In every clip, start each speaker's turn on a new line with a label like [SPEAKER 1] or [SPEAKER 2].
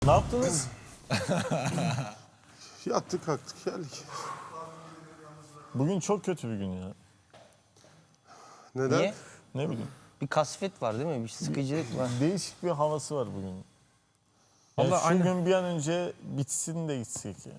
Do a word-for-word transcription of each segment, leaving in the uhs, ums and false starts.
[SPEAKER 1] Ne yaptınız?
[SPEAKER 2] Yattık kalktık geldik.
[SPEAKER 1] Bugün çok kötü bir gün ya.
[SPEAKER 2] Neden?
[SPEAKER 3] Niye?
[SPEAKER 1] Ne bileyim.
[SPEAKER 3] Bir kasvet var değil mi? Bir sıkıcılık var.
[SPEAKER 1] Değişik bir havası var bugün. Yani
[SPEAKER 4] Vallahi
[SPEAKER 1] şu
[SPEAKER 4] aynen.
[SPEAKER 1] gün bir an önce bitsin de gitsek ya.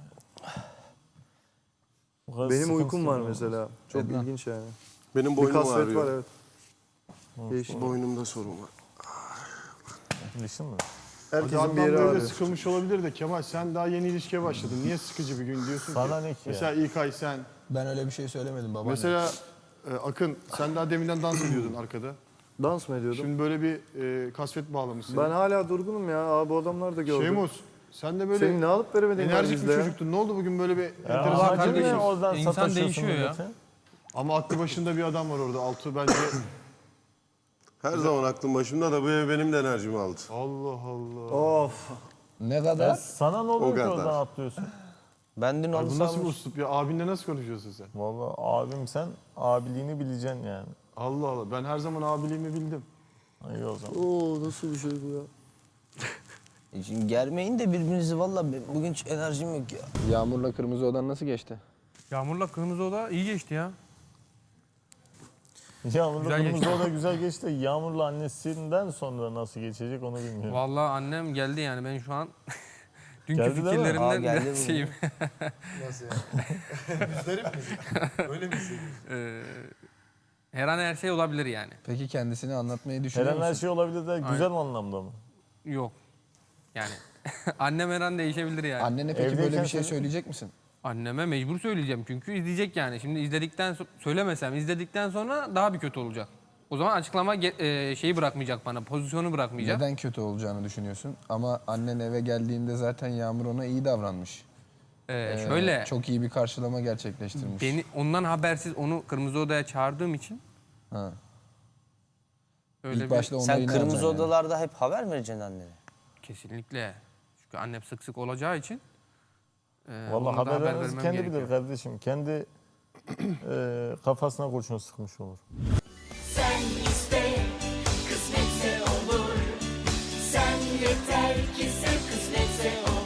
[SPEAKER 1] Bu kadar
[SPEAKER 5] Benim
[SPEAKER 1] sıkıntı
[SPEAKER 5] uykum var
[SPEAKER 1] olmaz.
[SPEAKER 5] mesela. Çok ilginç yani.
[SPEAKER 2] Benim
[SPEAKER 5] Bir
[SPEAKER 2] boynum
[SPEAKER 5] kasvet
[SPEAKER 2] ağrıyor.
[SPEAKER 5] var evet. Değişik.
[SPEAKER 2] Boynumda sorun var.
[SPEAKER 1] Dişin mi?
[SPEAKER 5] Herkesin
[SPEAKER 6] Adnan
[SPEAKER 5] bir yeri
[SPEAKER 6] böyle
[SPEAKER 5] ağrıyor.
[SPEAKER 6] sıkılmış olabilir de Kemal sen daha yeni ilişkiye başladın. Niye sıkıcı bir gün diyorsun
[SPEAKER 1] Sana
[SPEAKER 6] ki?
[SPEAKER 1] ne ki ya?
[SPEAKER 6] Mesela İlkay sen.
[SPEAKER 4] Ben öyle bir şey söylemedim babaanne.
[SPEAKER 6] Mesela e, Akın sen daha deminden dans ediyordun arkada.
[SPEAKER 5] Dans mı ediyordum?
[SPEAKER 6] Şimdi böyle bir e, kasvet bağlamışsın.
[SPEAKER 5] Ben hala durgunum ya. Aa, bu adamlar da gördüm.
[SPEAKER 6] Şeymus sen de böyle
[SPEAKER 5] Senin ne alıp veremediğin var
[SPEAKER 6] enerjik bir
[SPEAKER 5] bizde ya.
[SPEAKER 6] çocuktun. Ne oldu bugün böyle bir
[SPEAKER 1] Ya
[SPEAKER 6] enteresan
[SPEAKER 1] amacın ne
[SPEAKER 4] kardeşim.
[SPEAKER 1] oradan
[SPEAKER 4] İnsan
[SPEAKER 1] sataşıyorsun
[SPEAKER 4] değişiyor ya.
[SPEAKER 1] millete?
[SPEAKER 6] Ama aklı başında bir adam var orada. Altı bence.
[SPEAKER 2] Her zaman aklım başımda da bu ev benim de enerjimi aldı.
[SPEAKER 6] Allah Allah.
[SPEAKER 5] Of.
[SPEAKER 4] Ne
[SPEAKER 1] Ya
[SPEAKER 4] kadar?
[SPEAKER 1] sana ne oluyor
[SPEAKER 2] O
[SPEAKER 1] ki
[SPEAKER 2] kadar.
[SPEAKER 1] oradan atlıyorsun?
[SPEAKER 3] Ben dün
[SPEAKER 6] Ay,
[SPEAKER 3] onu
[SPEAKER 6] bu nasıl bir
[SPEAKER 3] sanmış.
[SPEAKER 6] uslup ya? Abinle nasıl konuşuyorsun sen?
[SPEAKER 1] Vallahi abim sen abiliğini bileceksin yani.
[SPEAKER 6] Allah Allah. Ben her zaman abiliğimi bildim.
[SPEAKER 1] İyi o zaman.
[SPEAKER 5] Oo nasıl bir şey bu ya?
[SPEAKER 3] E Şimdi germeyin de birbirinizi valla bugün hiç enerjim yok ya.
[SPEAKER 4] Yağmurla Kırmızı Odan nasıl geçti?
[SPEAKER 7] Yağmurla Kırmızı Oda iyi geçti ya.
[SPEAKER 1] Yağmurla
[SPEAKER 7] Güzel
[SPEAKER 1] kırmızı
[SPEAKER 7] geçti.
[SPEAKER 1] oda güzel geçti. Yağmurla annesinden sonra nasıl geçecek onu bilmiyorum.
[SPEAKER 7] Vallahi annem geldi yani ben şu an dünkü
[SPEAKER 1] Geldi değil mi?
[SPEAKER 3] Aa,
[SPEAKER 7] fikirlerimden
[SPEAKER 3] geldi
[SPEAKER 7] biraz
[SPEAKER 3] mi?
[SPEAKER 7] şeyim.
[SPEAKER 5] Nasıl yani? Müzdarip misin? Öyle mi hissediyorsun?
[SPEAKER 7] Ee, her an her şey olabilir yani.
[SPEAKER 4] Peki kendisini anlatmayı düşünüyor
[SPEAKER 1] Her an her
[SPEAKER 4] musun?
[SPEAKER 1] şey olabilir de güzel anlamda mı?
[SPEAKER 7] Yok. Yani annem her an değişebilir yani.
[SPEAKER 4] Annene peki
[SPEAKER 1] Evdeyken
[SPEAKER 4] böyle bir şey
[SPEAKER 1] söyle-
[SPEAKER 4] söyleyecek misin?
[SPEAKER 7] Anneme mecbur söyleyeceğim çünkü izleyecek yani. Şimdi izledikten so- söylemesem izledikten sonra daha bir kötü olacak. O zaman açıklama ge- e, şeyi bırakmayacak bana, pozisyonu bırakmayacak.
[SPEAKER 4] Neden kötü olacağını düşünüyorsun? Ama annen eve geldiğinde zaten Yağmur ona iyi davranmış.
[SPEAKER 7] Ee,
[SPEAKER 4] Ee,
[SPEAKER 7] şöyle
[SPEAKER 4] Çok iyi bir karşılama gerçekleştirmiş.
[SPEAKER 7] beni ondan habersiz onu Kırmızı Oda'ya çağırdığım için
[SPEAKER 4] Ha.
[SPEAKER 7] öyle
[SPEAKER 4] İlk
[SPEAKER 7] bir
[SPEAKER 4] başta
[SPEAKER 3] Sen
[SPEAKER 4] onayını
[SPEAKER 3] kırmızı
[SPEAKER 4] alacaksın yani.
[SPEAKER 3] odalarda hep haber mi vereceksin annene?
[SPEAKER 7] kesinlikle. Çünkü annem sık sık olacağı için e,
[SPEAKER 1] Vallahi
[SPEAKER 7] ona da
[SPEAKER 1] haber
[SPEAKER 7] haber
[SPEAKER 1] vermez
[SPEAKER 7] vermem
[SPEAKER 1] kendi
[SPEAKER 7] gerekiyor.
[SPEAKER 1] bilir kardeşim. Kendi e, kafasına kurşun sıkmış olur.
[SPEAKER 8] Sen iste, kısmetse olur. Sen yeter ki sen kısmetse olur.